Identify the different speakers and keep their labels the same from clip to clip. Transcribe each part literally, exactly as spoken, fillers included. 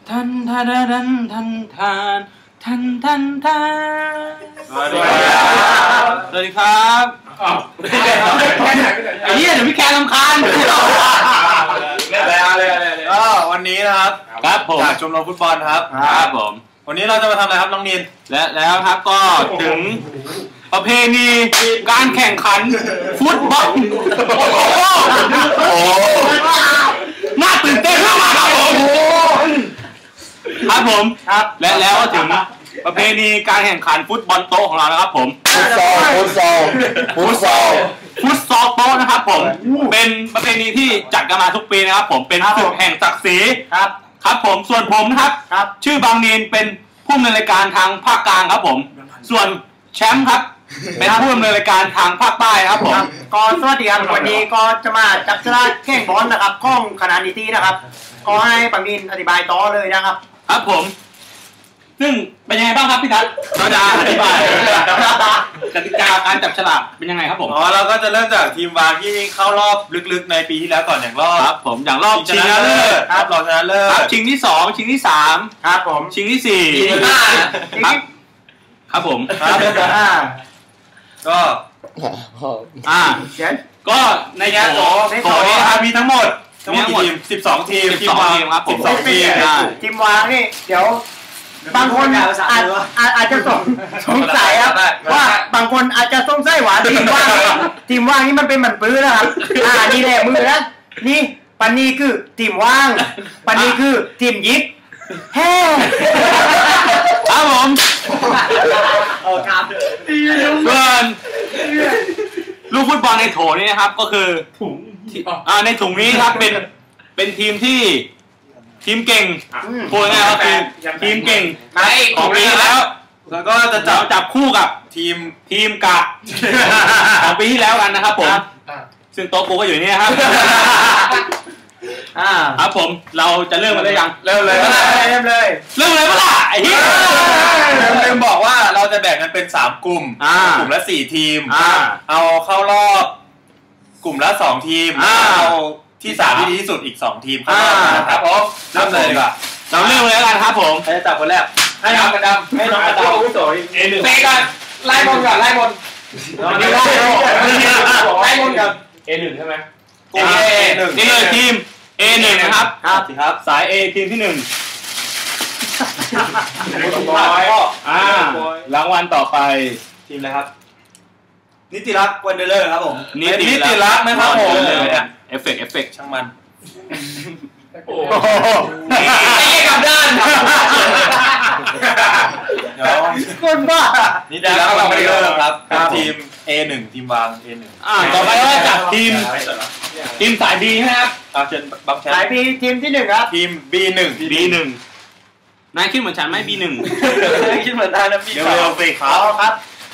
Speaker 1: ทันทันทันทันทันทันทันทันสวัสดีครับสวัสดีครับอ้าวไอ้เหี้ยเดี๋ยวพี่แกรำคาญ
Speaker 2: เลยเลยเลยก็วันนี้นะครับ
Speaker 1: ครับผม
Speaker 2: จากชมรมฟุตบอลครับ
Speaker 1: ครับผม
Speaker 2: วันนี้เราจะมาทำอะไรครับน้องนิน
Speaker 1: และแล้วครับก็ถึงประเพณีการแข่งขันฟุตบอลโอ้น่าตื่นเต้นมากครับผมครับผมครับและแล้วก็ถึงประเพณีการแข่งขันฟุตบอลโต๊ะของเรานะครับผม
Speaker 3: ฟุตซอลฟุตซอลฟุตซอล
Speaker 1: ฟุตซอลโต๊ะนะครับผมเป็นประเพณีที่จัดกันมาทุกปีนะครับผมเป็นศึกแห่งศักดิ์ศรีครับครับผมส่วนผมนะครับชื่อบางนีนเป็นผู้ดำเนินรายการทางภาคกลางครับผมส่วนแชมป์ครับเป็นผู้ดำเนินรายการทางภาคใต้ครับผม
Speaker 4: ก็สวัสดีครับวันนี้ก็จะมาจับฉลากแข่งบอลนะครับข้องคณะนิตินะครับก็ให้บางนีนอธิบายต่อเลยนะครับ
Speaker 1: ครับผมซึ่งเป็นยังไงบ้างครับพี่ทัศน์เราจะอธิบายกติกาการจับฉลากเป็นยังไงครับผม
Speaker 2: อ๋อเราก็จะเริ่มจากทีมวางที่เข้ารอบลึกๆในปีที่แล้วก่อนอย่างรอบ
Speaker 1: ครับผมอย่างรอบ
Speaker 2: ชิงชนะเลิศครับรอบชนะเลิศ
Speaker 1: ครับชิงที่สองชิงที่สาม
Speaker 4: ครับผม
Speaker 1: ชิงที่สี่
Speaker 4: ชิงที่ห้า
Speaker 1: ครับครับผม
Speaker 2: ครับก็
Speaker 1: อ่าก็ในงานโถโถนี้ครับมีทั้งหมด
Speaker 2: มีทั้งหมดสิบสองทีม
Speaker 1: ทีมวางครับผม
Speaker 2: สิบสองทีม
Speaker 4: ทีมวางนี่เดี๋ยวบางคนอาจอาจจะสงสงสัยครับว่าบางคนอาจจะสงสัยว่าทีมว่างนี่ทีมว่างนี่มันเป็นเหมือนปื้อนะครับอ่านี่แหละมือนะนี่ปันนี้คือทีมว่างปันนี้คือทีมยิบแฮ่
Speaker 1: ครับผม
Speaker 4: โอ้ครับ
Speaker 1: ส่วนลูกฟุตบอลในโถนี้นะครับก็คือถุงอ่าในถุงนี้ครับเป็นเป็นทีมที่ทีมเก่งพูดง่ายๆก็คือทีมเก่งของปีที่แล้ว
Speaker 2: แล้วก็จะจับ
Speaker 1: จับคู่กับ
Speaker 2: ทีม
Speaker 1: ทีมกะของปีที่แล้วกันนะครับผมซึ่งโต๊ะกูก็อยู่นี่ครับครับผมเราจะเริ่มกันได้ยัง
Speaker 2: เริ่มเลย
Speaker 4: เริ่มเลย
Speaker 1: เริ่มเลยปะล่ะไอ้เหี้ย
Speaker 2: ลืมบอกว่าเราจะแบ่งกันเป็นสามกลุ่มกลุ่มละสี่ทีมเอาเข้ารอบกลุ่มละสองทีมเอาที่สามที่ดีที่สุดอีกสองทีมครับผมเริ่มเลยดีกว่า
Speaker 1: เราเริ่มเลยกันครับผม
Speaker 2: ใครจะจับคนแรก
Speaker 4: ให้น้องกระดำให้น้องกระดำผู้สวย
Speaker 1: เอหนึ่ง
Speaker 4: เตะกันไล่บอลก่อนไล่บอลไล่ไล่บอลกัน
Speaker 1: เอหนึ่งใช่ไหมเอหนึ่งนี่เลยทีมเอหนึ่งนะครับ
Speaker 2: ครับครับ
Speaker 1: สาย A ทีมที่หนึ่งอ่ารางวัลต่อไป
Speaker 2: ทีมอะไรครับนิติรักษ์วันเดอร์เลอร์ครับผม
Speaker 1: นิติ
Speaker 2: รักษ์นะครับผม
Speaker 1: เอฟเฟกต์เอฟเฟกต์
Speaker 2: ช่างมัน
Speaker 4: โอ้ไม่กลับด้าน
Speaker 2: เดี๋ยว
Speaker 4: คนบ้า
Speaker 2: นิติรักษ์วันเดอร์เลอร์ครับทีม เอ หนึ่ง ทีมวาง เอ หนึ่ง
Speaker 1: อ่าต่อไปก็จับทีมทีมสาย B ใช่ไหมครับ
Speaker 2: ตามเชิญบังแชมป์
Speaker 4: สาย B ทีมที่หนึ่งครับ
Speaker 2: ทีม บี หนึ่ง
Speaker 1: บี หนึ่งนายคิดเหมือนฉันไหม บี หนึ่ง
Speaker 4: คิดเหมือนนายนะ บี
Speaker 2: สองเร็วๆสิครับ
Speaker 4: ครับ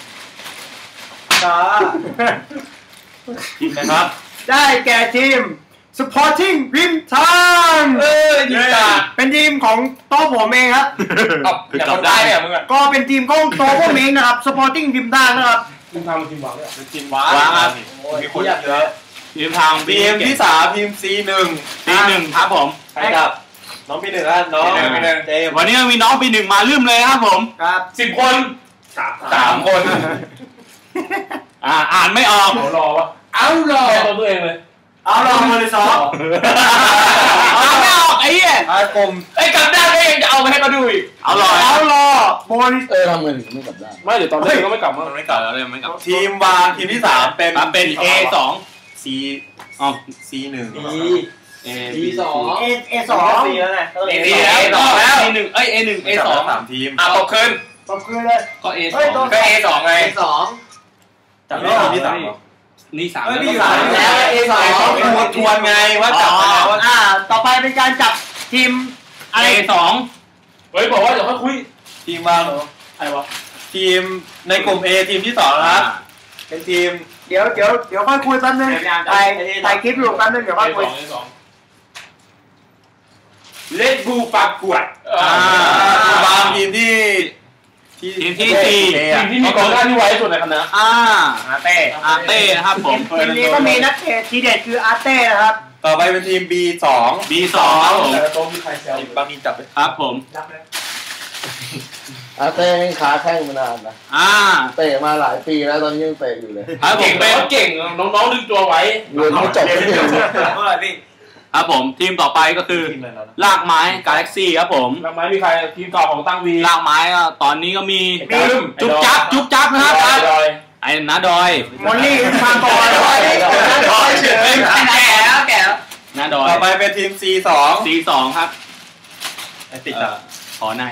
Speaker 2: ทีมนะครับ
Speaker 4: ได้แก่ทีม Sporting Rim Time
Speaker 2: เออทีมจ่า
Speaker 4: เป็นทีมของโต๊ะผมเองครับ
Speaker 2: อยากคนได้เนี่ยมึงอ่ะ
Speaker 4: ก็เป็นทีมของโต๊ะผมเองนะครับ Sporting Rim Time นะครับ
Speaker 2: ทีมทางทีมวางด้วยทีมวาง
Speaker 1: ครับ
Speaker 2: มีคนเยอะ
Speaker 1: ทีมทาง
Speaker 2: ทีมที่สามทีม ซี หนึ่ง
Speaker 1: ซี หนึ่งครับผม
Speaker 2: ใช่ครับน้องปีหนึ่งครับน้อง
Speaker 1: วันนี้มีน้องปีหนึ่งมาลืมเลยครับผม
Speaker 4: ครับ
Speaker 2: สิบคนสามคน
Speaker 1: อ่าอ่านไม่ออก
Speaker 2: รอวะ
Speaker 4: เอารอ
Speaker 2: ตัวเองเลย
Speaker 4: เอารอมาเลยสอง
Speaker 1: อ่านไม่ออกไอ้เหี้ย
Speaker 2: อากลม
Speaker 4: ไอ้กลับด้านก็ยังจะเอาไปให้เขาดูอีก
Speaker 1: เอารอ
Speaker 4: เอารอโบน
Speaker 3: เออทำเงินไม่กลับด้าน
Speaker 2: ไม่เดี๋ยวตอนเล่นก็ไม่กลับ
Speaker 1: มันไม่กลับแล้วเลยไม่กลับ
Speaker 2: ทีมวางทีมที่สามเป็น
Speaker 1: เป็น เอ สอง
Speaker 2: ซี อ๋อ ซี หนึ่ง
Speaker 4: เอ สอง เอ เอ สอง
Speaker 2: ซีแล้วไง
Speaker 1: เอ แล้วซี หนึ่งเอ้ย เอ หนึ่ง เอ สอง
Speaker 2: สามทีม
Speaker 1: อ่ะตกคืน
Speaker 4: ตกคืนเลย
Speaker 1: ก็ เอ สองก็ เอ สองไง
Speaker 4: เอ สอง
Speaker 2: จับได้ทีมที่สาม
Speaker 1: นี่สาม
Speaker 4: แล้วนี่สามแล้ว เอ สอง
Speaker 2: ต้องทวนไงว่าจับแล้ว
Speaker 4: อ่าต่อไปเป็นการจับทีม
Speaker 1: อะไรสอง
Speaker 2: เฮ้ยบอกว่าเดี๋ยวค่อยคุยทีมวางใครวะทีมในกลุ่ม A ทีมที่สองครับเป็นทีม
Speaker 4: เดี๋ยวเดี๋ยวเดี๋ยวค่อยคุยแป๊บนึงถ่ายถ่ายคลิปอยู่แป๊บนึงเดี๋ยวค่อยคุย
Speaker 2: เลดบูปากกวดวางทีมที่
Speaker 1: ทีมที่สี่
Speaker 2: ทีมที่มีกองหน้าที่ไว้สุดในคณะ
Speaker 1: อ่า
Speaker 2: อาเต้
Speaker 1: อาเต้นะครับผม
Speaker 4: ทีมนี้ก็มีนักเตะทีเด็ดคืออาเต้นะครับ
Speaker 2: ต่อไปเป็นทีม บี สอง
Speaker 1: บี สองครับผม
Speaker 5: แต่โต๊ะมีใครแซว
Speaker 2: บางทีจับไป
Speaker 1: ครับผม
Speaker 5: รับเลย
Speaker 3: อาเต้ยังขาแข้งมานานนะ
Speaker 1: อ่า
Speaker 3: เตะมาหลายปีแล้วตอนนี้ยังเตะอยู่เลย
Speaker 1: ครับผมเป็น
Speaker 5: เก่งน้องๆดึงตัวไว้
Speaker 3: เรียนไม่จบไม่ถึง
Speaker 2: เท่าไหร่พี่
Speaker 1: ครับผมทีมต่อไปก็คือลากไม้กาแล็กซี่ครับผม
Speaker 5: ลำไม้มีใครทีมต่อของตั้งวี
Speaker 1: ลากไม้ก็ตอนนี้ก็มีจุ๊บจับจุ๊บจับนะครับ ไอ้น้าดอย
Speaker 4: มอลลี่มาก่อน
Speaker 1: แก่แล้วแก่แล้วน้าดอย
Speaker 2: ต่อไปเป็นทีม ซี สอง
Speaker 1: สีสองครับ
Speaker 2: ไอติด
Speaker 1: เอ่
Speaker 2: อ่ะ
Speaker 1: อขอใน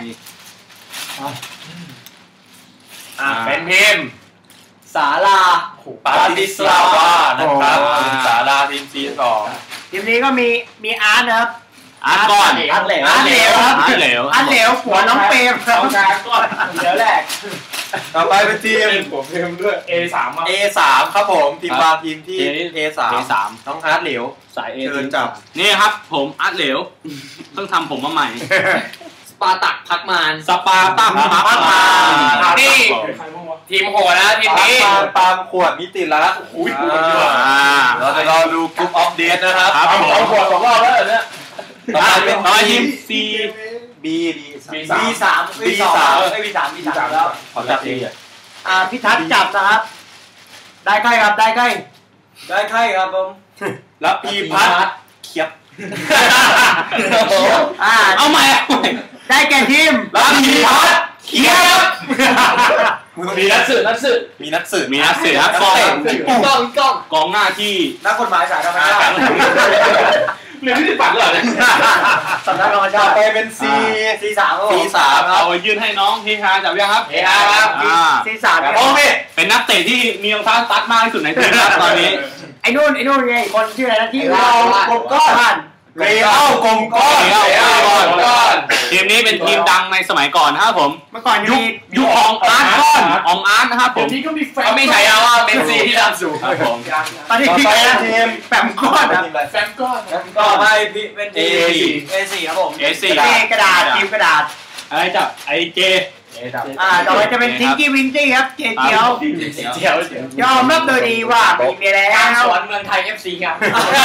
Speaker 5: อ่าเป็นทีม
Speaker 4: สาลา
Speaker 2: ปาติสลาวานะครับสาราทีม ซี สอง
Speaker 4: ทีมนี้ก็มีมีอาร์ตนะครับ
Speaker 1: อาร์ตก่อน
Speaker 4: อาร์ตเหลวอาร์ตเหลวครับ
Speaker 1: อาร์ตเหลว
Speaker 4: อาร์ตเหลวหัวน้องเปรมค
Speaker 5: ส
Speaker 4: รับ
Speaker 5: องการก่อนเดี๋ยวแรก
Speaker 2: ต่อไปเป็นทีม
Speaker 5: ผมเพิ่มด้วย เอ สาม
Speaker 2: เอ สาม ครับผมทีมวางทีมที่ เอ สาม
Speaker 1: เอสาม
Speaker 2: น้องฮาร์ดเหลว
Speaker 1: สายเอ
Speaker 2: เชิญจับ
Speaker 1: นี่ครับผมอาร์ตเหลวเพิ่งทำผมมาใหม่
Speaker 6: สปาตักพักมาน
Speaker 1: สปาตั้มพักมา
Speaker 5: นี่
Speaker 1: ครับผม
Speaker 5: ใครบ้างวะ
Speaker 6: ทีมโหดนะทีม
Speaker 2: ปา
Speaker 6: นี้
Speaker 2: ปามปามขวดนิติรัตน์
Speaker 5: อุ้ย
Speaker 1: อ่า
Speaker 2: เราจะรอดูกรุ๊ปออฟเดตนะครับ
Speaker 1: ครับผม
Speaker 5: เอาขวดสองรอบแล้วเนี่ย
Speaker 2: ต่อไปเป็น
Speaker 1: ต่อไปทีม
Speaker 2: ซี บี
Speaker 5: บี
Speaker 4: บีสาม
Speaker 2: บีสาม
Speaker 4: ไอบีสามบีสามแล้ว
Speaker 2: ขอจับเอง
Speaker 4: อ่าพี่ทัศน์จับนะครับ ได้ใกล้ครับได้ใกล้
Speaker 2: ได้ใครครับผมแล้วพีพัทเขียบ
Speaker 4: อ่า
Speaker 1: เอาใหม่
Speaker 4: ได้แก่ทีม
Speaker 1: แล้วพีพัฒน์เขียบ
Speaker 5: มีนักสืบนักสืบ
Speaker 2: มีนักสืบ
Speaker 1: มีนักสืบครับกอง
Speaker 6: กล้องกล้อง
Speaker 1: กองหน้าที่
Speaker 4: นักกฎหมายสายธรรมชาติ
Speaker 5: เรียนที่ติดปัดเหรอเนี่ย
Speaker 4: สำนักธรรม
Speaker 2: ต่
Speaker 4: ชา
Speaker 2: อ
Speaker 4: ติ
Speaker 2: ไปเป็นซี
Speaker 4: ซีสามครับผ
Speaker 2: ซี
Speaker 4: ม
Speaker 2: สามครั
Speaker 1: เอา
Speaker 2: บ
Speaker 1: ไปยื่นให้น้องเฮฮาจับยังครับ
Speaker 6: เฮฮาครับ
Speaker 1: อ่า
Speaker 4: ซีสามครับ
Speaker 2: โอเค
Speaker 1: เป็นนักเตะที่มีรองเท้าสตั๊ดมากที่สุดในทีมครับตอนนี้
Speaker 4: ไอ้นู่นไอ้นู่นไงคนชื่ออะไรนะที่เรากบก้อน
Speaker 2: เรอัลกลมก้อน
Speaker 1: เรอัลกลมก้อน ทีมนี้เป็นทีมดังในสมัยก่อนนะครับผม
Speaker 4: เมื่อก่อนยัง
Speaker 1: ยุค
Speaker 4: มี
Speaker 1: ยุคของอาร์ตก้อนของอาร์ตนะครับผ
Speaker 5: เดี๋ยว
Speaker 1: ม
Speaker 5: นี้ก็มีแฟน
Speaker 6: เขาไม่ใช้ยาว่าเมสซี่ที่ดำสูง
Speaker 1: ครับผม
Speaker 4: ตอนนี้
Speaker 2: ต่อ
Speaker 4: พี่
Speaker 2: ไป
Speaker 4: แก
Speaker 2: เป็นทีม
Speaker 4: แปมก้อนครับ
Speaker 5: แฟนก้อน
Speaker 2: ต่อไปเป็น
Speaker 1: เอ
Speaker 2: เอสี่ครับผม
Speaker 1: เอสี่
Speaker 4: เจกระดาษทีมกระดาษ
Speaker 1: อะไรจับไอเจ
Speaker 4: อ่าต่อไปจะเป็นทิงกี้วิงกี้ครับเจเจียว
Speaker 5: เจียวเจียวย
Speaker 4: อมรับโดยดีว่ามีเมียแล้
Speaker 6: การ
Speaker 4: ว
Speaker 6: สวนเมืองไทย เอฟ ซี ครับ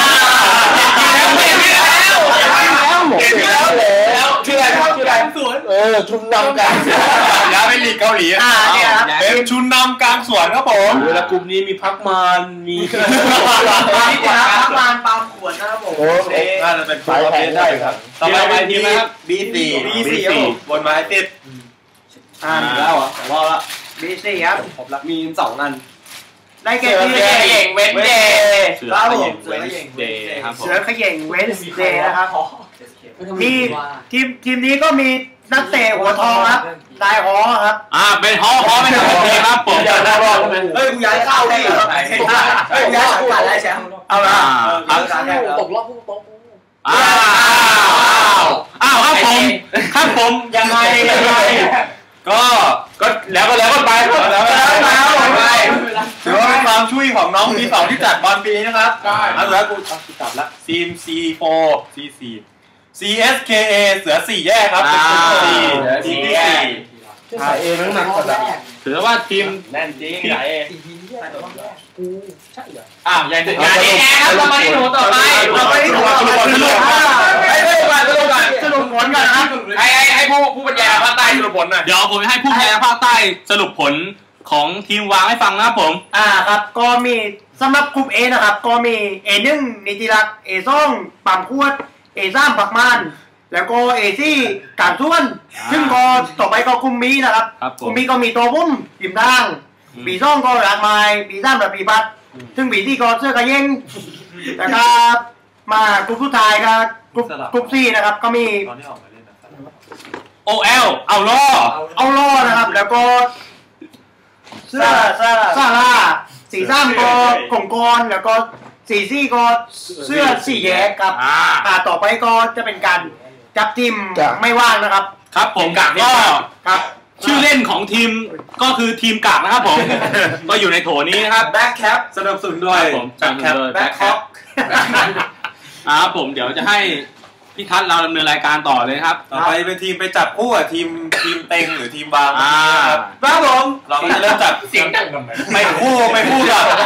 Speaker 3: แล้ว
Speaker 5: ชื่ออะไรครับชื่ออะไร
Speaker 3: เออชุนนำกัน
Speaker 2: ย้ายไปลีกเกาหลี
Speaker 4: อ่าเนี่ยครับ
Speaker 2: เป็นชุนนำกลางสวนครับผม
Speaker 5: เวลากลุ่มนี้มีพักมานมี
Speaker 4: นี่จะพักวานปามขวดนะครับผม
Speaker 3: โอ้
Speaker 2: น่าจะเป็น
Speaker 3: สายแข่งได้ครับ
Speaker 2: ต่อไปเป็นทีมนะครับ บีสี่
Speaker 1: บีสี่ครับผม
Speaker 2: บนไม้ติด
Speaker 4: อ่า
Speaker 2: แล้วอ่ะผมว่าละ
Speaker 4: บีสี่ครับ
Speaker 2: ผมรักมีสองอัน
Speaker 4: ได้แก่
Speaker 6: เสื
Speaker 4: ที
Speaker 6: อ
Speaker 4: ม
Speaker 6: เก่งเว้นเดย์
Speaker 1: เสือขยิงเวนเดย์ครับผม
Speaker 4: เสือเขย่งเวนส์เดย์นะครับมีทีมทีมนี้ก็มีนักเตะหัวทองครับนายฮอครับ
Speaker 1: อ่าเป็นฮอฮอเป็นทีมครับผม
Speaker 5: เดี๋ยวนะรอดใช่ไหม
Speaker 2: เฮ้ยกูย้ายเข้าดิเฮ้ยกูย้ายสังกัดแล้วแชมป์
Speaker 4: เอาละ
Speaker 1: อ่า
Speaker 6: ตกรอบผู้ตก
Speaker 1: อ้าวอ้าวครับผมครับผมยังไงยังไง
Speaker 2: ก็ก็แล้วก็แล้วก็ไปแล้วก็แล้วไปถือว่าเป็นความช่วยของน้องปีสองที่จัดบอลปีนี้นะครับเอาแล้วกูเอากลับละทีม ซี โฟร์ ซี สี่ ซี เอส เค เอ เสือสี่แยกครับเป็นทีมสี่ทีมที่สี่
Speaker 3: สายเอนั่งหนักกว่า
Speaker 1: ถือว่าทีม
Speaker 2: แน่นจริงไหน
Speaker 1: อ่ายังจะ
Speaker 6: งานนี้แอร์ครับเรามาที่หนูต่อไป
Speaker 4: เราไปที่หัวสรุปสรุป
Speaker 6: ให้สรุปก่อนสรุปก่อน
Speaker 4: สรุปผลกันนะครับ
Speaker 6: ให้ให้ให้ผู้ผู้บรรยายภาคใต้สรุปผลหน่อย
Speaker 1: เดี๋ยวผมจะให้ผู้แพ้ภาคใต้สรุปผลของทีมวางให้ฟังนะครับผม
Speaker 4: อ่าครับก็มีสำหรับกลุ่ม A นะครับก็มี เอ หนึ่ง นิติรักษ์ เอ สอง ปั๊มขวด เอ สาม ปักมันแล้วก็ เอ สี่ การส่วนซึ่งก็ต่อไปก็กลุ่ม B นะครับ
Speaker 1: ครับผ
Speaker 4: กลุ่
Speaker 1: ม
Speaker 4: ม B ก็มีตัวพุ่มริมทาง
Speaker 1: อืม
Speaker 4: บีสองก็หลากไม้บีสามแบบปีบัตซึ่งบีที่ก็เสื้อกระเย้งแล้วก็มากลุ่มสุดท้ายครับกลุ่มกลุ่ม C นะครับก็มี
Speaker 2: ตอนที่ออกมาเล่นนะ
Speaker 1: โอเอลเอาล่อ
Speaker 4: เอาล่อนะครับ แล้วก็เสื้อซาร่าสีซ้ำก็กลมกรแล้วก็สีซี่ก็เสื้อสีแยกครับ
Speaker 1: อ่า
Speaker 4: อ่าต่อไปก็จะเป็นการจับทีม
Speaker 3: จ้ะ
Speaker 4: ไม่ว่างนะครับ
Speaker 1: ครับผมก็
Speaker 4: ครับ
Speaker 1: ชื่อเล่นของทีมก็คือทีมกากนะครับผม ก็อยู่ในโถนี้นะครับ
Speaker 2: แบ็คแคปสนับสนุนด้วย
Speaker 1: ครับผม
Speaker 2: แบ็คแคป
Speaker 1: แบ็คแคปอ่าครับผมเดี๋ยวจะให้พี่ทัศน์เราดำเนินรายการต่อเลยครับ
Speaker 2: ต่อไปเป็นทีมไปจับคู่กับทีมทีมเต็งหรือทีมบาง
Speaker 1: อ่า
Speaker 2: ครับครับผมเราก็จะเริ่มจับ
Speaker 5: เสียงดังทำไม
Speaker 2: ไปคู่ไปคู่กับ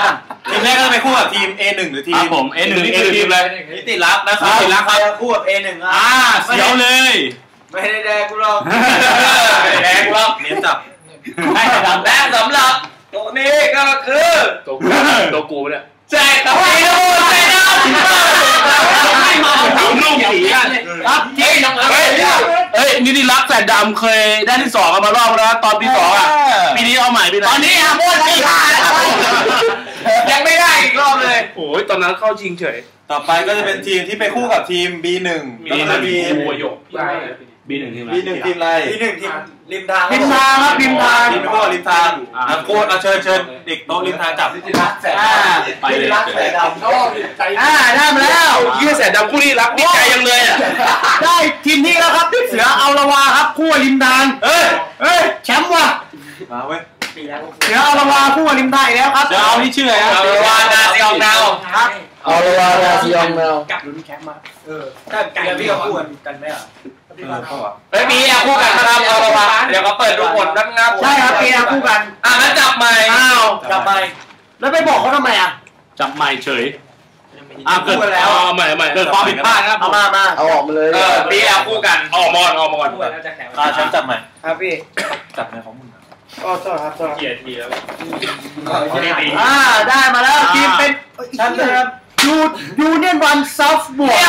Speaker 2: ทีมแรกก็จะไปคู่กับทีม เอ หนึ่ง หรือที
Speaker 1: ครับ
Speaker 2: ม
Speaker 1: ผม เอ หนึ่ง นี่คือทีมอะไร
Speaker 2: นิติรักนะครับ
Speaker 1: นิติรักครับ
Speaker 4: คู่กับ เอ หนึ่ง
Speaker 1: อ่าเสียวเลย
Speaker 4: ไม่ได้แดกกูหรอก
Speaker 2: แดงรอบเน้นจับ
Speaker 1: ให้แต่ดำ
Speaker 6: และสำหรับตัวนี้ก็คือ
Speaker 5: ตัวกูตัวกูเนี่ย
Speaker 6: แจกกับไอ้ดูแจกดำ
Speaker 1: ไม่มาถามลูกสีกัน
Speaker 6: ครับเฮ้ยน้องเฮ้ย
Speaker 5: เฮ้ยนิติรักแสนดำเคยได้ที่สองกันมารอบแล้วตอนปีสองอ่ะปีนี้เอาใหม่ปีไหน
Speaker 6: ตอนนี้อ่ะโม่ที่ห้าแล้วยังไม่ได้อีกรอบเลย
Speaker 5: โอ้ยตอนนั้นเข้าชิงเฉย
Speaker 2: ต่อไปก็จะเป็นทีมที่ไปคู่กับทีม บี หนึ่ง
Speaker 5: มี
Speaker 2: แล้วก็
Speaker 5: มี
Speaker 2: ทีม
Speaker 5: กูโยก
Speaker 1: บีหนึ่งทีมอะไร
Speaker 2: บี หนึ่งทีมอะไร
Speaker 4: ทีหนึ่งทีมริมทาง
Speaker 3: ริมทางครับริมทาง
Speaker 2: ทีมไปคู่กับริมทางอ่ะโค้ชเอาเชิญเชิญเด็กโต๊ะริมทางจับ
Speaker 4: อ่า
Speaker 1: ไปเลย
Speaker 4: รักแสนดำ
Speaker 3: อ่าได้มาแล้ว
Speaker 5: ยี่แสนดำคู่นี้รักดีใจยังเลยอ่ะ
Speaker 3: ได้ทีมนี้แล้วครับเสือเอาละวาครับคู่ริมทาง
Speaker 2: เฮ้ย
Speaker 3: เฮ้ยแชมป์ว่ะ
Speaker 2: มาเว้ย
Speaker 3: เสือเอาละวาคู่ริมทางอีกแล้วครับ
Speaker 1: เดี๋ยวเอาที่ชื่ออะไรครับ
Speaker 6: เอาวานาซีอองดาว
Speaker 4: ครับ
Speaker 3: เอาละวานาซีอองแมว
Speaker 4: กับลุ้นแคมป์มาเออถ้าไก่พี่ก็คู่กันไหมอ่ะ
Speaker 2: เออเข้าอ่ะ
Speaker 6: เฮ้ยมีอ่ะคู่กันนะครับเอาละวะเดี๋ยวเขาเปิดดูผลนับนับ
Speaker 3: ใช่ครับเปียคู่กัน
Speaker 6: อ่ะงั้นจับใหม่
Speaker 3: อ้าว
Speaker 4: กลับไป
Speaker 3: แล้วไปบอกเขาทำไมอ่ะ
Speaker 1: จับใหม่เฉยอ่าเกิด
Speaker 4: คู่กันแล้ว
Speaker 5: เอาใหม่ใหม่
Speaker 1: เกิดความผิดพลาดนะครับ
Speaker 3: เอามามาเอาออกมาเลย
Speaker 6: เออปีอ่ะคู่กัน
Speaker 5: ออกมอนออกมอน
Speaker 2: ตาแชมป์จับใหม่
Speaker 4: ครับพี่
Speaker 2: จับในของมึง
Speaker 4: ก็โทษครับโทษ
Speaker 5: เกียร์ทีแล้ว
Speaker 3: อ่าได้มาแล้วทีมเป็น
Speaker 4: ท่านนะครับ
Speaker 3: ยูยูเนียนวันซอฟบวก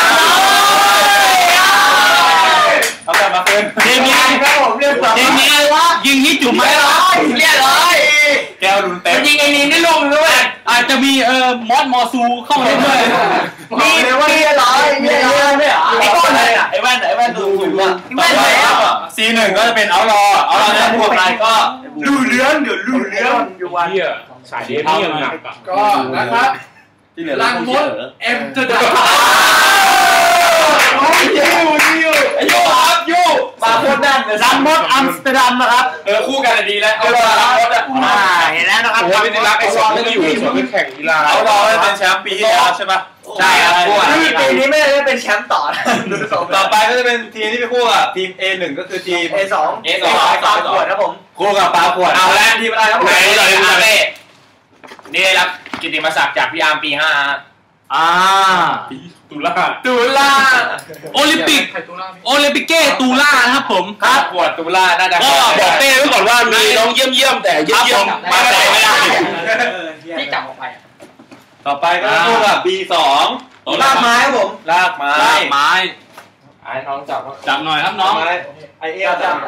Speaker 2: เอาแบบมาเกิน
Speaker 1: ทีมนี้
Speaker 4: ครับผมเรียกว่า
Speaker 1: ทีมนี้ยิงฮิตจุ่มไหม
Speaker 6: เรียบร้อย
Speaker 2: แก้วรุนเต็ม
Speaker 6: ยิงไอ้นี่ได้ลงด้วย
Speaker 1: อาจจะมีเอ่อมอสมอซูเข้ามาเล่นด้วย
Speaker 3: มีมีร้อยมีร้อยไม่เหรอ
Speaker 4: ไอ้ก้อนเลยอ่ะ
Speaker 3: ไอ้แว่นไอ้แว่นสูงสูงอ่ะ
Speaker 2: ต่อไปซีหนึ่งก็จะเป็นเอารอเอารอจะคู่กับอะไรก็
Speaker 4: ดูเลื้อนเดี๋ยวดูเลื้อนอยู่วัน
Speaker 5: เฮียสายเดฟนี่ยังหนักอ่ะ
Speaker 6: ก็นะครับ
Speaker 2: ที่เหลือ
Speaker 6: ลังมดเอ็มจะดับ
Speaker 4: ยูยู
Speaker 6: ไอ้ยูครับยู
Speaker 4: มาโคตรแน่นเลย
Speaker 3: ลังมดอัมสเตอร์ดัมนะครับ
Speaker 6: เออคู่กันดีแล้วเอาละลังมดอ่ะ
Speaker 3: อ่าเห็นแล้วนะครับ
Speaker 5: โอ้ยนิติรักไอ้สองนี่อยู่สวนแข่งกีฬา
Speaker 2: เอารอเป็นแชมป์ปีที่แล้วใช่ปะ
Speaker 6: ใช่ครับคู่กัน
Speaker 4: นี่ปีนี้ไม่ได้เป็นแชมป์ต่อนะดูสอง
Speaker 2: ต่อไปก็จะเป็นทีมที่ไปคู่กับทีม เอ หนึ่ง ก็คือทีม
Speaker 4: เอสอง
Speaker 6: เอสอง
Speaker 4: ตามขวดครับผม
Speaker 2: คู่กับปลาขวด
Speaker 6: เอาแล้ว
Speaker 4: ทีมอะไรครับผม
Speaker 6: ไหนเลยอาเล่นี่ได้รับกิตติมศักดิ์จากพี่อาร์มปีห้า
Speaker 1: อ่า
Speaker 5: ตุลา
Speaker 6: ตุลา
Speaker 1: โอลิมปิกโอลิมปิกเก้ตูล่านะครับผม
Speaker 6: ครับขวดตุลาน่าจะ
Speaker 5: ก็บอกเต้ไว้ก่อนว่ามีน้องเยี่ยมเยี่ยมแต่เยี่ยมเยี่ยม
Speaker 1: มาแต่ไม่ได้
Speaker 6: ที่จับออกไป
Speaker 2: ต่อไปก็คู่กับ บี สอง
Speaker 4: ลากไม้ครับผม
Speaker 2: ลากไม้
Speaker 1: ลากไม้
Speaker 6: ไอ้น้องจับ
Speaker 1: จับหน่อยครับน้อง
Speaker 2: ไอเอลจับ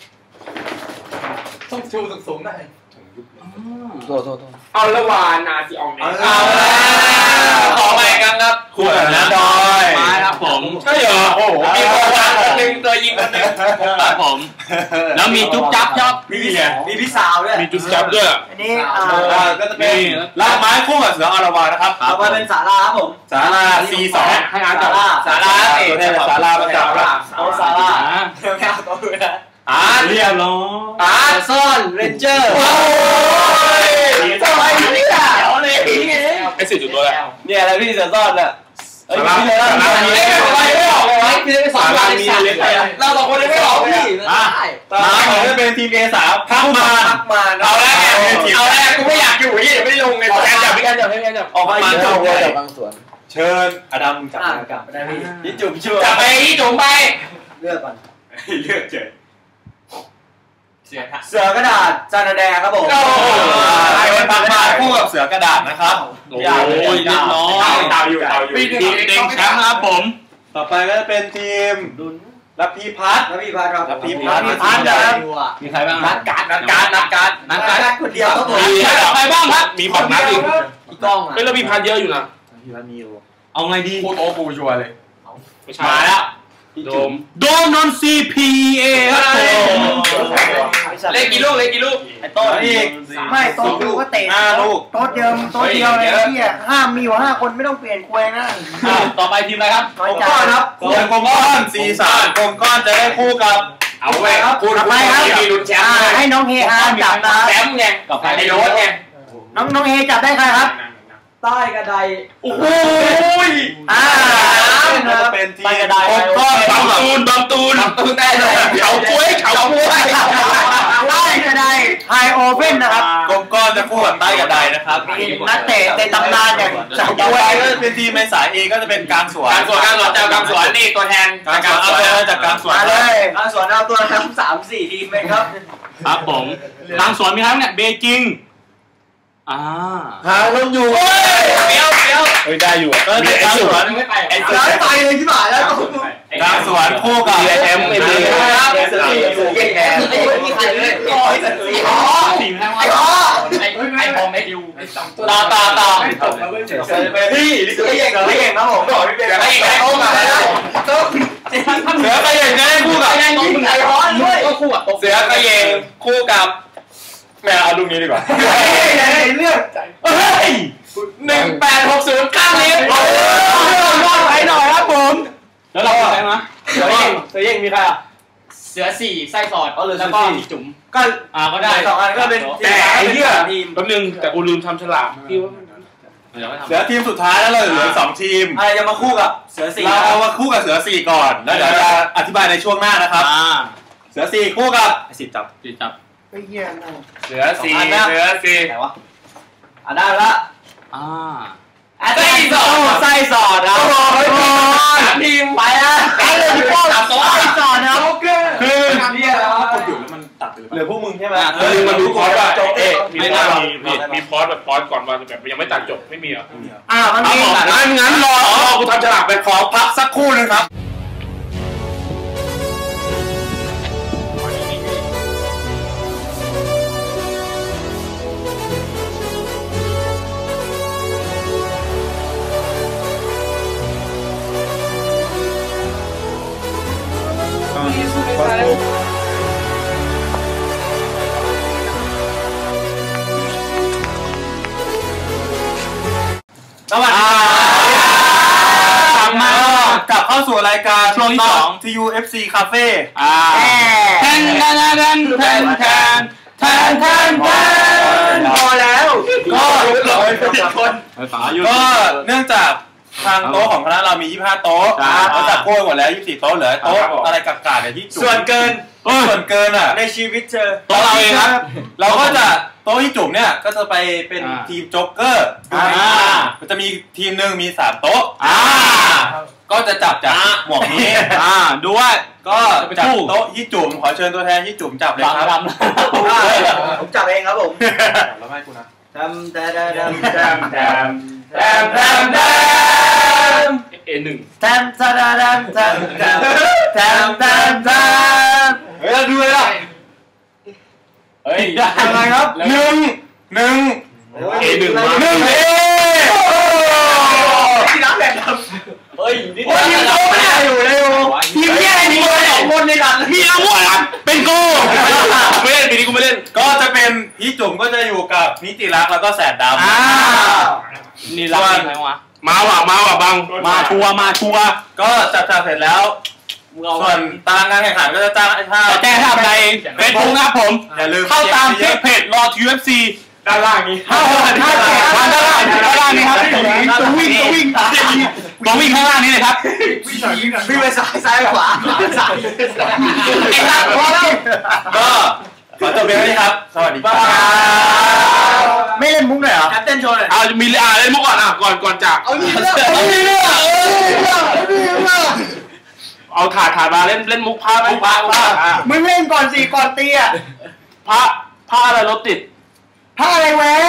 Speaker 6: ต้องชูสูงๆได้
Speaker 3: โทษโทษโทษ
Speaker 6: เอาละวานาซีอองเน
Speaker 2: เอา
Speaker 6: เอาแล้วขอไปกันครับ
Speaker 2: คู่กับน้าดอย
Speaker 1: ไม้ครับผม
Speaker 6: ใช่เหรอโอ้โหมีตัววางคนหนึ่งตัวยิงคนหนึ่ง
Speaker 1: ครับผม แล้วมีจุ๊บจับชอบ
Speaker 2: มีไง
Speaker 4: มีพี่สาวด้วย
Speaker 5: มีจุดจับด้วย
Speaker 3: อันนี้อ่า
Speaker 2: อ่าก็จะเป็นลากไม้คู่กับเสืออรวานะครับ
Speaker 4: ต่อไปเป็นสาราครับผม
Speaker 2: สารา ซี สอง
Speaker 5: ให้อาร์ตจับ
Speaker 6: สาระเอก
Speaker 2: ตัวแทนสาราประจับ
Speaker 4: เอาสารา
Speaker 1: อ่า
Speaker 4: เดี๋ยวแค่เอาตัวด้วยนะ
Speaker 6: อาร์ต
Speaker 1: เรียบร้อย
Speaker 6: อาร์ต
Speaker 4: ซ่อนเรนเจอร์
Speaker 6: โอ้ย
Speaker 4: ทำไมเนี่ยเดี๋ยวเลย
Speaker 5: ไอ้สี่จุดตัวแหละ
Speaker 2: เนี่ยอะไรพี่เสือซ่อนอ่ะเอ้ย
Speaker 5: สารา
Speaker 2: พี่เลย
Speaker 5: สารา
Speaker 6: เอ้ยทำไมไม่ออกเลยพี่ได้สองวันเราสองคนยังไม่ออกพี่
Speaker 1: อ่ะ
Speaker 2: ต่อไปจะเป็นทีม เอ สามพักมา
Speaker 4: พักมา
Speaker 6: เอาแล้วไงเอาแล้วกูไม่อยากอยู่ยี่เดี๋ยวไม่ลงไง
Speaker 5: พี่การจับพี่การจับพี่การจับ
Speaker 2: ออกมา
Speaker 3: เย
Speaker 2: เย
Speaker 3: อะ
Speaker 2: อะ
Speaker 3: เล
Speaker 2: เลยย
Speaker 3: จากบางส่วน
Speaker 2: เชิญอดัมจับ
Speaker 4: อ่ากลับไปได้พี่
Speaker 2: นี่จุ่มช่วย
Speaker 6: จับไปยี่จุ๋มไป
Speaker 4: เลือกก่อน
Speaker 2: เลือกเจอ
Speaker 6: เสียท่า
Speaker 4: เสือกระดาษจานแดงครับผม
Speaker 6: โอ้โห
Speaker 2: ไอ้วันพักมาคู่กับเสือกระดาษนะครับ
Speaker 1: โอ้ยเรียบร้อย
Speaker 5: เต่าอยู่เต่าอยู่
Speaker 1: ทีมเด็กแชมป์นะครับผม
Speaker 2: ต่อไปก็จะเป็นทีมรับพีพัฒน์
Speaker 4: แล้วพี่พัดครับ
Speaker 2: แล้วพี่พัด
Speaker 4: พี่พัดนะครับ
Speaker 1: มีใครบ้าง
Speaker 6: นัดการนัดการนัดการ
Speaker 1: นัด
Speaker 4: นั
Speaker 1: กั
Speaker 4: ด
Speaker 1: น
Speaker 4: การคนเดียวครับผม
Speaker 1: มีใครบ้างครับ
Speaker 5: มีผ่อนนัดอีก
Speaker 4: พี่ก้องอ่ะ
Speaker 5: เฮ้ยแล้วมีพันเยอะอยู่นะ
Speaker 2: พี่พัฒน์มีอยู่
Speaker 1: เอาไงดี
Speaker 2: พูดโอ้กูชัวร์เลย
Speaker 5: ไม่ใช่
Speaker 1: มาแล้ว
Speaker 5: โดม
Speaker 1: โดมนนซีพีเอครับผม
Speaker 6: เล่นกี่ลูกเล่นกี่ลูก
Speaker 2: ไอ้ต้นอีก
Speaker 3: ไม่โต๊ะดูก็เตะ
Speaker 2: ห้าลูก
Speaker 3: โต๊ะเดียวโต๊ะเดียวเลยพี่อ่ะห้ามมีอยู่ห้าคนไม่ต้องเปลี่ยนควยนะ
Speaker 1: อ่ะต่อไปทีมอะไรครับ
Speaker 3: น้อย
Speaker 4: ผม
Speaker 3: ใจ
Speaker 4: ก้อนครับ
Speaker 2: ส่วนกลมก้อนสี่สามกลมก้อนจะได้คู่กับ
Speaker 6: เอาไว้ครับคุณมีลุ้นแชม
Speaker 3: อ่า
Speaker 6: ป์
Speaker 3: ให้น้องเฮอาจับนะ
Speaker 6: แชมป์ไงกับไอ้โน้ตไง
Speaker 3: น้องน้องเฮจับได้ใครครับ
Speaker 4: ใต้กระได
Speaker 6: โอ้โห
Speaker 3: อ่า
Speaker 2: จะเป็นทีม
Speaker 3: ไปกระดาษ
Speaker 2: กลมก้อน
Speaker 5: บางตูนบางตูน
Speaker 6: ตูนได้เลย
Speaker 5: เขากล้วยเขากล้วย
Speaker 3: ได้ก็ได้ไฮโอเว่นนะครับ
Speaker 2: กลมก้อนจะคู่กับใต้กับใดนะครับ
Speaker 4: นักเตะในตำนานอย่างจาก
Speaker 2: ต่อ
Speaker 4: ด้ว
Speaker 2: ไป
Speaker 4: ย
Speaker 2: ก็เป็นทีมในสายเอก็จะเป็นกลางสวน
Speaker 5: การสวนการสวนจากการสวนนี่ตัวแทน
Speaker 2: กลางสวนเอาตัวจากกลางสวน
Speaker 4: มาเลย
Speaker 6: เอาสวนเอาตัวทั้งสามสี่ทีมเลยครับ
Speaker 1: ครับผมทางสวนมีใครบ้างเนี่ยเบจิงอ่า
Speaker 3: หาลงอยู่
Speaker 6: เปี้ยวเปี้ยว
Speaker 5: เฮ้ยได้อยู่
Speaker 2: ก็ในกลางสวน
Speaker 6: ไม่ไป
Speaker 2: ไอ้
Speaker 6: ย้ายไปเลยที่บ่ายแล้ว
Speaker 2: กลางสวนคู่กับ
Speaker 5: ดีเอ็มไม่ดี
Speaker 6: ครับเสือสี่เสือเก่งแกไม่มีใครเลยโอ้ยเสือสี่อ๋อ
Speaker 1: สี่แพ้
Speaker 6: ไอ้
Speaker 1: ว่า
Speaker 6: อ๋อ
Speaker 1: ไอ้ไอ้บอมไอ้ดิว
Speaker 6: ต่อต่อต่อ
Speaker 2: พี่
Speaker 6: เสือเก่งเสือเก่งครับผมเสือเก่งไอ้โอ้มาแล้วต้อง
Speaker 2: เสือขยิงจะได้คู่กับ
Speaker 6: ไอ้ยิงไอ้ร้อนด้วยก็คู่กับ
Speaker 2: เสือขยิงคู่กับแม่เอาลูกนี้ดีกว่า
Speaker 6: เลือก
Speaker 2: เฮ้ย
Speaker 6: หนึ่งแปดหกศูนย์ข้างลิฟต์
Speaker 2: รอดไปหน่อยครับผม
Speaker 1: แล้วเราใครมา
Speaker 6: เสือเก่งเสือเก่งมีใครอ่ะ
Speaker 7: เสือสี่ไส้สอด
Speaker 6: อ๋อเหลือ
Speaker 7: แล้วก็
Speaker 6: สี่
Speaker 7: มีจุ๋ม
Speaker 6: ก็
Speaker 7: อ่าก็ได้
Speaker 6: สองอันก็เป็น
Speaker 5: แต่ไอ้เหี้ย
Speaker 6: ทีม
Speaker 5: แป๊บนึงแต่กูลืมทำฉลากพี่ว่า
Speaker 1: เดี๋ยวไม่ทำ
Speaker 2: เหลือทีมสุดท้ายแล้วเราเหลือสองทีม
Speaker 6: อะไรจะมาคู่กับเสือสี่
Speaker 2: เราเอามาคู่กับเสือสี่ก่อนแล้วเดี๋ยวจะอธิบายในช่วงหน้านะครับ
Speaker 1: อ่า
Speaker 2: เสือสี่คู่กับสิบจับ
Speaker 1: จีจับ
Speaker 4: ไอ้เหี้ยนั่ง
Speaker 2: เสือสี่เสือสี่
Speaker 6: ไหนวะอ่ะได้ละ
Speaker 1: อ่า
Speaker 6: ไส้สอดไส้สอดนะทีมไปละไปเลยพี่ป้อมไส้สอดนะ
Speaker 2: คือ
Speaker 6: เรียกแล้ว
Speaker 2: กดอยู่แล้วมันตัดไปเลย
Speaker 6: เหลือพวกมึงใช่ไหม
Speaker 5: เออมันดูพอดว่าเอ๊ะมี
Speaker 2: ไม่
Speaker 5: พ
Speaker 2: ได้
Speaker 5: อด
Speaker 2: มี
Speaker 5: มีมีพอดแบบพอดก่อนว่าแบบยังไม่ตัดจบไม่มีเหรอ
Speaker 4: อ่ามัน
Speaker 5: ครับ
Speaker 4: มี
Speaker 5: ผมงั้นงั้นรอรอกูทำฉลากไป
Speaker 2: ขอพักสักครู่นึงครับ
Speaker 1: สวัสดีครับกลับมากลับเข้าสู่รายการช่วงที่สอง
Speaker 2: ที ยู เอฟ ซี Cafe
Speaker 1: อ่าแทนแทนแทนแทนแทนแทนแทนแทน
Speaker 6: พอแล้ว
Speaker 2: ก็
Speaker 1: คน
Speaker 2: ก็เนื่องจากทางโต๊ะของคณะเรามียี่สิบห้าโต๊ะเราจัดโค้ยหมดแล้วยี่สิบสี่โต๊ะเหลือโต๊ะอะไรกากๆเนี่ยที่จุ่ม
Speaker 6: ส่วนเกิน
Speaker 2: ส่วนเกินอ่ะ
Speaker 6: ในชีวิตเจอ
Speaker 1: โต๊ะเราเองครับ
Speaker 2: เราก็จะโต๊ะที่จุ่มเนี่ยก็จะไปเป็น
Speaker 1: อ่า
Speaker 2: ทีมโจ๊กเกอร์
Speaker 1: อ่า
Speaker 2: มันจะมีทีมหนึ่งมีสามโต๊ะ
Speaker 1: อ่า
Speaker 2: ก็จะจับจากหมวกนี้
Speaker 1: อ่าดูว่า
Speaker 2: ก็จับโต๊ะที่จุ่มขอเชิญตัวแทนที่จุ่มจับเลย
Speaker 1: ฟัง
Speaker 2: ครับ
Speaker 1: ด
Speaker 6: ผมจับเองครับผม
Speaker 2: เราให้คุณนะ
Speaker 6: ทำแต่แต่แต่
Speaker 2: แทมแทม
Speaker 6: แทมแทมแทม
Speaker 5: เอหนึ่ง
Speaker 6: แทมแทมแทมแทมแทมแทมแทมแทม
Speaker 2: เฮ้ยเราดูเลยล่ะ
Speaker 1: เฮ้ย
Speaker 2: อะไรครับหนึ่งหนึ่ง
Speaker 5: เอหนึ่งมา
Speaker 2: หนึ่งเอ
Speaker 6: ที่น้ำแบบเฮ้ยนี่
Speaker 2: โอ้ยยิงโต๊ะไม่ได้อยู่เลย
Speaker 6: ทีมแย่ทีมสองคนในดัน
Speaker 1: มีอาวุธครับเป็นกู
Speaker 5: ไม่เล่นปีนี้กูไม่เล่น
Speaker 2: ก็จะเป็นพี่จุ่มก็จะอยู่กับนิติรักษ์แล้วก็แสนดำ
Speaker 1: อ่านี่รักใครวะ
Speaker 5: มาว่ะมาว่ะบัง
Speaker 1: มาชัวร์มาชัวร์
Speaker 2: ก็จับจับเสร็จแล้ว ส่วนตารางการแข่งขันก็จะจ้างถ้า
Speaker 1: แต่แจ้งทำในเฟซบุ๊กนะครับผม
Speaker 2: อย่าลืม
Speaker 1: เข้าตามที่เพจรอ ยู เอฟ ซี
Speaker 2: ด้านล่างนี้
Speaker 1: เข้าถ้าแข่งทางด้านล่างด้านล่างนี้ครับตัววิ่งตัววิ่งตัววิ่งข้างล่างนี้เลยครับ
Speaker 6: วิ่งไปซ้ายซ้ายขวาขวาซ้ายไอ้ตัดพอแล้ว
Speaker 2: ก็ขอจบเพียงเท่านี้ครับ สวัสดีครับ
Speaker 4: ไม่เล่นมุกเลยเหรอ
Speaker 6: แคปเต้นโชว์หน่อย
Speaker 5: เอามีอ่าเล่นมุกก่อนอ่ะก่อนก่อนจาก
Speaker 6: เอาดีเรื่องเอาดีเรื่องเอาดีเรื่องเอาดีเรื่อง
Speaker 5: เอาถาดถาดมาเล่นเล่นมุกพระไหมพระพระอ่ะ
Speaker 4: มึงเล่นก่อนสิก่อนตีอ่ะ
Speaker 5: พระพระอะไรรถติด
Speaker 4: ถ้าอะไรแวะ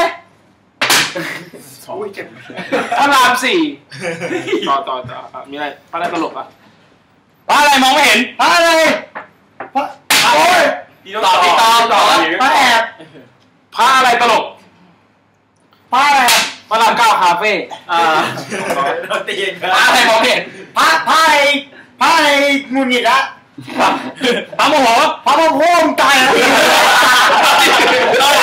Speaker 5: พระรามสี่ต่อต่อต่ออ่ะมีอะไรพระอะไรตลกอ่ะ
Speaker 1: ว่าอะไรมองไม่เห็น
Speaker 4: ถ้าอะไรพระโอ้ย
Speaker 2: ต่อพี่ตองต่อ
Speaker 4: พระแอบ
Speaker 5: พระอะไรตลก
Speaker 4: พระอะไร
Speaker 5: พระรามเก้าคาเฟ่
Speaker 2: อ่า
Speaker 6: โดนตีน
Speaker 1: ว่าอะไรมองไม่เห็น
Speaker 4: พระพระอะไรพระอะไรงุนงิดละ
Speaker 1: พระโมโห
Speaker 4: พระพระโคมตายแล้ว
Speaker 1: เรา